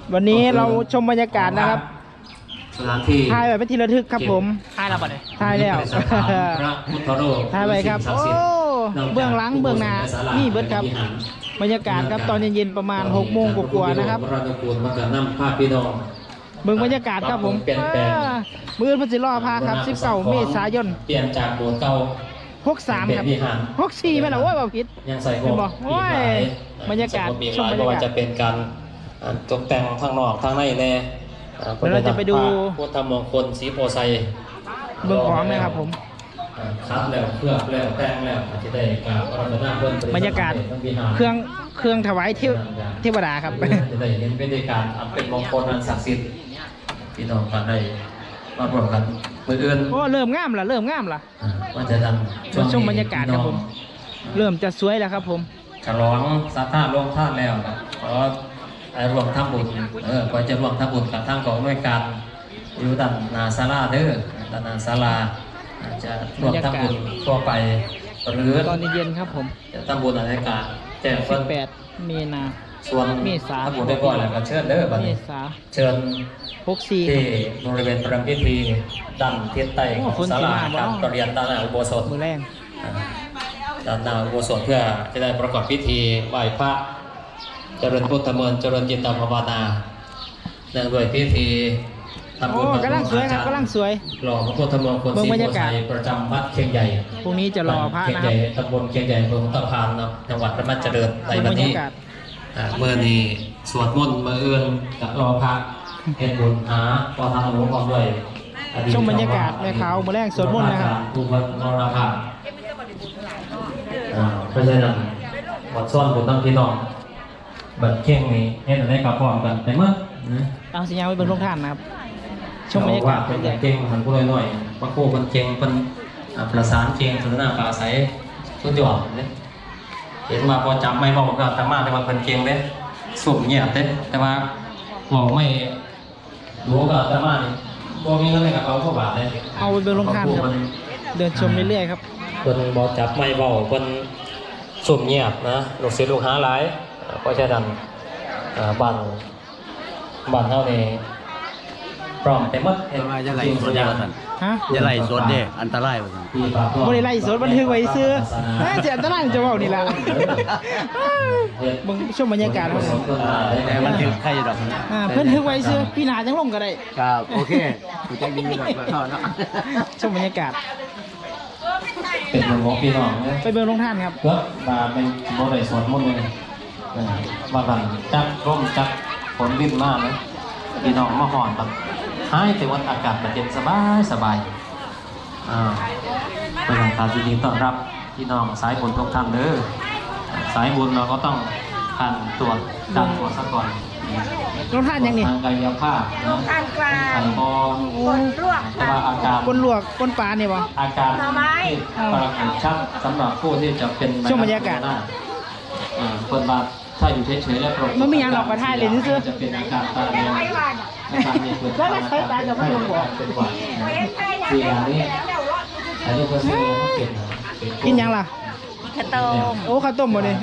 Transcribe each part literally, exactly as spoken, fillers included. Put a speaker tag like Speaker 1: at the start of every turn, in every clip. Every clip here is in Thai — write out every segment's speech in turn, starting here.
Speaker 1: วันนี้เราชมบรรยากาศนะครับ
Speaker 2: สถานที่
Speaker 1: ถ่ายแบบเป็นที่ระทึกครับผมถ่ายแล้วปะเนี่ยถ่ายแล้ว
Speaker 2: พระพุทธรูป
Speaker 1: ถ่ายไปครับโอ้เบื้องหลังเบื้องหน้านี่เบิดครับบรรยากาศครับตอนเย็นๆประมาณหกโมงกว่าๆนะครับ
Speaker 2: พระนุกูลมากระนำภาพพี่น้อง
Speaker 1: เบื้องบรรยากาศครับผมมือพัชรอพาครับสิบเก้าเมษายน
Speaker 2: เปลี่ยนจากโบสถ์เก่า
Speaker 1: หกสามครับหกสี่ไม่หรอว่าแบบผิด
Speaker 2: ยังใส่หมวก
Speaker 1: โอ้ยบรรยากาศช
Speaker 2: ช
Speaker 1: ม
Speaker 2: ม
Speaker 1: บบ ร
Speaker 2: ร
Speaker 1: ร
Speaker 2: ร
Speaker 1: ยากาศ
Speaker 2: ยากาศจะเป็นการตกแต่งข้างนอกข้างในแน่
Speaker 1: เดี๋ยวเราจะไปดู
Speaker 2: พุทธมงคลสีโพไซ
Speaker 1: เบื้องของนะครับผม
Speaker 2: คัดแล้วเคลือบแล้วแต่งแล้วอาจจะได้กราบพระรัตนเพิ่น
Speaker 1: บรรยากาศเครื่องเครื่องถวายเทวเทวดาครับ
Speaker 2: จะได้เห็นวิธีการอันเป็นมงคลอันศักดิ์สิทธิ์พี่น้องกันได้มาร่วมกันมืออื่น
Speaker 1: โอ้เริ่มงามละเริ่มงามละ
Speaker 2: ว่าจะทำ
Speaker 1: มาชมบรรยากาศครับผม เริ่มจะสวยแล้วครับผม
Speaker 2: ฉลองสาธาร่วมท่านแล้วขอรวมทำบุญเออก็จะรวมทำบุญกับทางกองหน่วยการอยู่ด้านนาศาลาเด้อด้านนาศาลาจะรวมทำบุญทั่วไปหรือ
Speaker 1: ตอนเย็นครับผม
Speaker 2: จะทำบุญอะไรกันแจ้ง
Speaker 1: สิ
Speaker 2: เพิ่
Speaker 1: บ
Speaker 2: น
Speaker 1: แปดมีนา
Speaker 2: ส่วน
Speaker 1: เมษา
Speaker 2: ทำบุญได้ก่อนแล้วก็เชิญเด้อบัด
Speaker 1: เม
Speaker 2: นี้
Speaker 1: ษา
Speaker 2: เชิญ
Speaker 1: หกสี่
Speaker 2: ที่บริเวณประรำพิธีด้านทิศใต้ของศาลาการประเรียนด้านหน้าอุโบสถ
Speaker 1: มือแรง
Speaker 2: ด้านหน้าอุโบสถเพื่อจะได้ประกอบพิธีไหว้พระเจริญพุทธมนต์เจริญจิตภาวนาเนื่องด้วยพิธีทำบุ
Speaker 1: โอ้
Speaker 2: ญ
Speaker 1: กำลังสวยครับกำลังสวย
Speaker 2: หล่อพระพุทธมงคล
Speaker 1: เบิ่ง
Speaker 2: ศรี
Speaker 1: บรร
Speaker 2: โพ
Speaker 1: ยากา
Speaker 2: ไซ
Speaker 1: ศ
Speaker 2: ประจำวัดเคียงใหญ่
Speaker 1: พรุ่งนี้จะรอพระ
Speaker 2: เคียง
Speaker 1: นะค
Speaker 2: ให
Speaker 1: รั
Speaker 2: ญ่
Speaker 1: บ
Speaker 2: ตำบลเคียงใหญ่อำเภอหงส์ตะพานเนาะจังหวัดพระแม่เจริญใน
Speaker 1: ชม
Speaker 2: วั
Speaker 1: บ
Speaker 2: น
Speaker 1: รร
Speaker 2: นี้
Speaker 1: ยากาศ
Speaker 2: อ่าเมื่อนี้สวดมนต์มื่ออื่นกับรอพระเฮ็ดบุญหาพอทำหลวงพ่อด้วยอดีต
Speaker 1: ชมบรรยากาศแม่ขาวมือแรงสวดมนต์นะครับ
Speaker 2: ทุกวันมรณภาพอ่าเพราะฉะนั้นวัดซ่อนบุญทั้งพี่น้องบัดเข่งนี้เฮ็ดอะไรกับพร้อมกันแต่เมื่อนะ
Speaker 1: เอาสัญญาณไว้บนโรงทานนะครับ ชมบรรยากาศ
Speaker 2: เป็
Speaker 1: เป็น น
Speaker 2: เก่งหันผู้น้อยๆพระครูเพิ่นเก่งเพิ่นอ่าประสานเก่งสนทนาปราศัยสุดยอดเด้เห็นว่าพอจำไม่บอกก็สามารถแต่ว่าเพิ่นเก่งเด้สุ่มเงียบเด้แต่ว่าบอกไม่รู้ก็สามารถนี่บ่มีเงินในกระเป๋าพวกบาทเลย
Speaker 1: เอาไปบนโรงทานครับ เดินชมเรื่อยๆครับ
Speaker 2: เพิ่นบ่จับไม่เว้าเพิ่นสุ่มเงียบนะลูกศิษย์ลูกหาหลายอ่าเพราะฉะนั้นอ่าบ้านบ้านเฮานี่พร้อมไปหมด
Speaker 3: แต่ว่าจะไล่สดเด้อท่าน
Speaker 1: ฮะ
Speaker 3: จะไล่สดเด้ออันตรายว่าซั่น
Speaker 1: บริไลฟ์สดบันทึกไว้ซื้อน่าจะอันตรายจะเว่านี่ละมึงชมบรรยากาศครับผม
Speaker 3: แต่มันถึงใครดอกนะ
Speaker 1: อ่าเพิ่นทึกไว้ซื้อพี่นาจังลงก็ได้
Speaker 3: ครับโอเคกูจะดีแบบว่าเนาะ
Speaker 1: ชมบรรยากาศ
Speaker 2: เป็นหลวงพ่อพี่น้องเนี่ย
Speaker 1: ไปเบิ่งโรงทานครับ
Speaker 2: เพื่อมาเป็นโมเดลสวนมุ่นเลยเออว่ากันจักร่มจักฝนรินมากนะพี่น้องมาห่อนแบบหายแต่ว่าอากาศมันเย็นสบายสบายอ่าเป็นของการยินดีต้อนรับพี่น้องสายบุญทุกท่านเด้อสายบุญเราก็ต้องผ่านตรวจดันตรวจซะก่อน
Speaker 1: โรงทานยังนี่
Speaker 2: ทางกายภาพ
Speaker 4: โรงทานกลาง
Speaker 2: ไข่บอล
Speaker 4: คนลวก
Speaker 2: แต่ว่าอาการ
Speaker 1: คนลวกคนปลาเนี่ยบ่
Speaker 2: อาการที่ปรากฏชัดสำหรับผู้ที่จะเป็น
Speaker 1: ช่วงบรรยากาศ
Speaker 2: อ่าคนบาถ้าอยู่เฉยๆแล้วปรากฏ
Speaker 1: มันมีอย่างหรอกก็ถ่ายเลยซื่อๆ
Speaker 2: จะเป็นอาการตาเรียนอาการมีเกิด
Speaker 1: แล้วไม่เคยตายกับพระองค์บอก
Speaker 2: เป็นหวัดสี่อย่างนี้อันนี้ก็คือเขาเป็น
Speaker 1: กินยังล่ะ
Speaker 4: ข้าวต้ม
Speaker 1: โอ้ข้าวต้มหมดเลย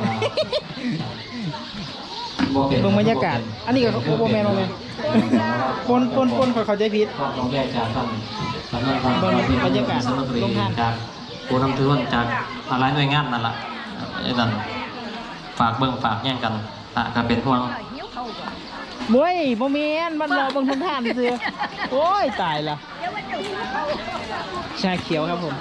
Speaker 1: เบิ่งบรรยากาศ อันนี้ก็โอ้โหแมนเลยปนปนปนขอเข้าใจผิด
Speaker 2: ก็ต้องแยกจากท่านท่านท่าน
Speaker 1: เบิ่งบรรยากาศลงทาน
Speaker 2: จากผู้นำทุนจากอะไรหน่วยงานนั่นแหละไอ้นั่นฝากเบิ่งฝากแย่งกันตะก็เป็นห่วง
Speaker 1: มวยบ่แม่นมันรอเบิ่งโรงทานซื่อโอ้ยตายละชาเขียวครับผม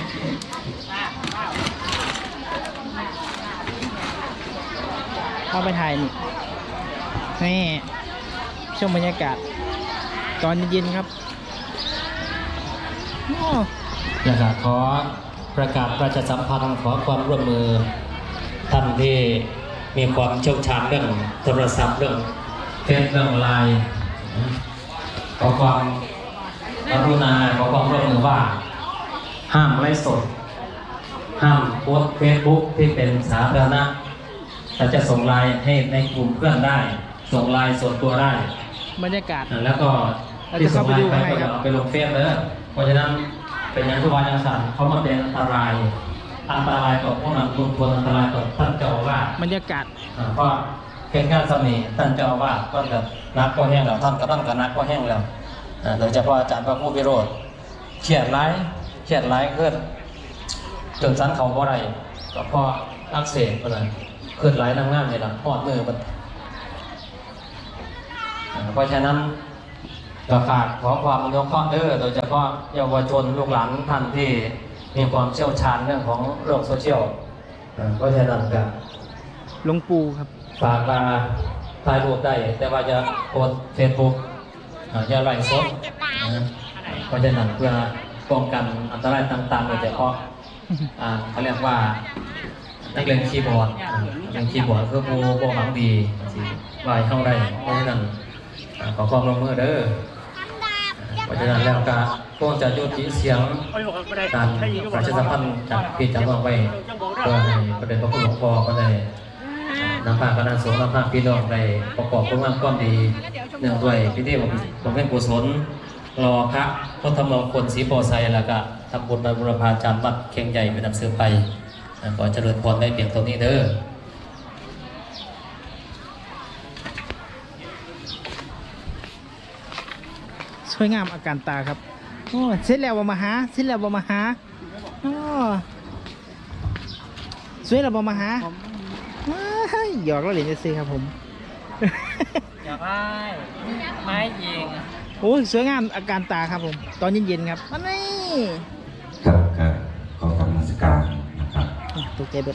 Speaker 1: เข้าไปถ่ายนี่นี่ชมบรรยากาศ ตอนเย็นๆครับโอ้
Speaker 2: อยากจะขอประกาศประชาสัมพันธ์ขอความร่วมมือท่านที่มีความเชี่ยวชาญเรื่องโทรศัพท์เรื่องเฟซเรื่องไลน์ขอความกรุณาขอความร่วมมือว่า ห้ามไลฟ์สด ห้ามโพสเฟซบุ๊กที่เป็นสาธารณะแต่จะส่งไลน์ให้ในกลุ่มเพื่อนได้ ส่งไลน์ส่วนตัวได้
Speaker 1: บรรยากาศ
Speaker 2: แล้วก็
Speaker 1: เรา
Speaker 2: ที่
Speaker 1: จะ
Speaker 2: ส่
Speaker 1: เข้าง ไป
Speaker 2: ไล
Speaker 1: ดู
Speaker 2: น์ไป
Speaker 1: ข้างใน
Speaker 2: ก็
Speaker 1: ครับ
Speaker 2: เอาไปลงเฟซเลยเพราะฉะนั้นเป็นอย่างทุกวันอย่างสั่นเขามาเป็นอันตราย อันตรายต่อพวกนั้นคุณควรอันตรายต่อท่านเจ้าอาวาส
Speaker 1: บรรยากาศ
Speaker 2: อ่าเพราะเป็นงานสมีท่านเจ้าอาวาสก็แบบนักก็แห้งแล้วท่านกำลังกับนักก็แห้งแล้วอ่าโดยเฉพาะอาจารย์พระผู้วิโรธเขียนร้ายเขียนร้ายขึ้นจนสันเขาบ่ได้ก็เพราะอักเสบอะไรขึ้นร้ายน้ำงามเลยล่ะพอดมือมันอ่าเพราะฉะนั้นก็ฝากขอความอนุเคราะห์เด้อโดยเฉพาะเยาวชนลูกหลานท่านที่มีความเชี่ยวชาญเรื่องของโลกโซเชียลอ่าเพราะฉะนั้นก็
Speaker 1: หลวงปู่ครับ
Speaker 2: ฝากมาถ่ายรูปได้ แต่ว่าจะโพสเฟซบุ๊กอย่าไลฟ์สดนะเพราะฉะนั้นเพื่อป้องกันอันตรายต่างๆโดยเฉพาะอ่าเขาเรียกว่านักเล่นคีย์บอร์ดอ่านักเล่นคีย์บอร์ดคือผู้โปรหวังดีสิวายเข้าได้เพราะฉะนั้นอ่าขอความร่วมมือเด้อเพราะฉะนั้นแล้วก็คงจะยุติเสียงการประชาสัมพันธ์จากพี่จากน้องไปเพื่อให้ประเด็นพระคุณหลวงพ่อก็ได้นำพาคณะสงฆ์นำพาพี่น้องได้ประกอบคุณงามความดีเนื่องด้วยพิธีบำเพ็ญกุศลรอพระพุทธมงคลศรีโพไซแล้วก็ทำบุญบรรบุรพาจารย์วัดเคียงใหญ่เป็นนำเสือไปขอเจริญพรได้เพียงตรงนี้เด้อ
Speaker 1: สวยงามอาการตาครับโอ้เสร็จแล้วบ่มาหาเสร็จแล้วบ่มาหาโอ้สวยแล้วบ่มาหาเฮ้ยหยอกแล้วเหรียญจะซื้อครับผม
Speaker 5: อยากได้ไม้ยิง
Speaker 1: โอ้ยสวยงามอาการตาครับผม ตอนเย็นๆครับอันนี้
Speaker 6: ครับก็ขอกรรมสการนะครับ
Speaker 1: ตกใจเบิด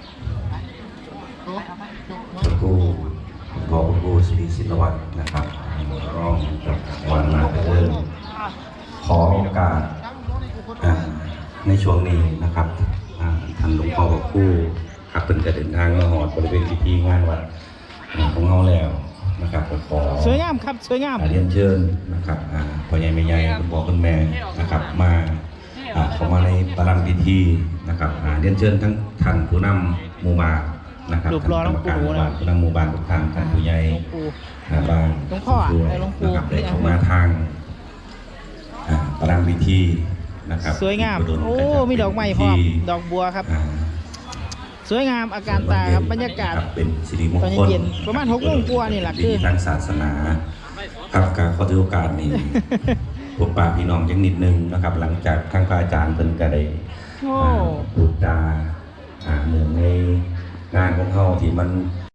Speaker 6: พระครูพอพระครูศรีศิลวัฒน์นะครับรองจากวันนาเดินขอโอกาสอ่าในช่วงนี้นะครับอ่าท่านหลวงพ่อพระครูครับเป็นจะเดินทางมาหอดบริเวณพิธีงานวัดอ่าของเราแล้วนะครับก็ขอ
Speaker 1: สวยงามครับสวยงาม
Speaker 6: อ่าเรียนเชิญนะครับอ่าพ่อใหญ่แม่ใหญ่คุณพ่อคุณแม่นะครับมาอ่าเข้ามาในประลังพิธีนะครับอ่าเรียนเชิญทั้งท่านผู้นำหมู่บ้านนะครับ
Speaker 1: รูปหล่อหลวงปู่
Speaker 6: ท่านกรรมการหมู่บ้านผู้นำหมู่บ้านทุกท่านท่านผู้ใหญ่
Speaker 1: หลวงปู่
Speaker 6: อ่าบ้าน
Speaker 1: หลวงพ่ออ่ะ
Speaker 6: ด้วย
Speaker 1: หลวงปู่
Speaker 6: นะครับได้เข้ามาทางอ่าประลังพิธีนะครับ
Speaker 1: สวยงาม
Speaker 6: ที่
Speaker 1: โอ้
Speaker 6: ประดล
Speaker 1: มีดอกไม้พร้อม
Speaker 6: พิธี
Speaker 1: ดอกบัวครับ
Speaker 6: อ่า
Speaker 1: สวยงามอาการตาครับบรรยากาศ
Speaker 6: ครับเป็นสิริมง
Speaker 1: ตอน
Speaker 6: คล
Speaker 1: เย็นๆประมาณหกโมงกว่านี่แหละคือ
Speaker 6: พิธีทางศาสนาครับการขอถือโอกาสนี้ พวกป่าพี่น้องยังนิดนึงนะครับ หลังจากทางพระอาจารย์เพิ่นก็ได้
Speaker 1: โอ้
Speaker 6: อ่าพูดจาอ่าเนื่องในงานของเขาที่มัน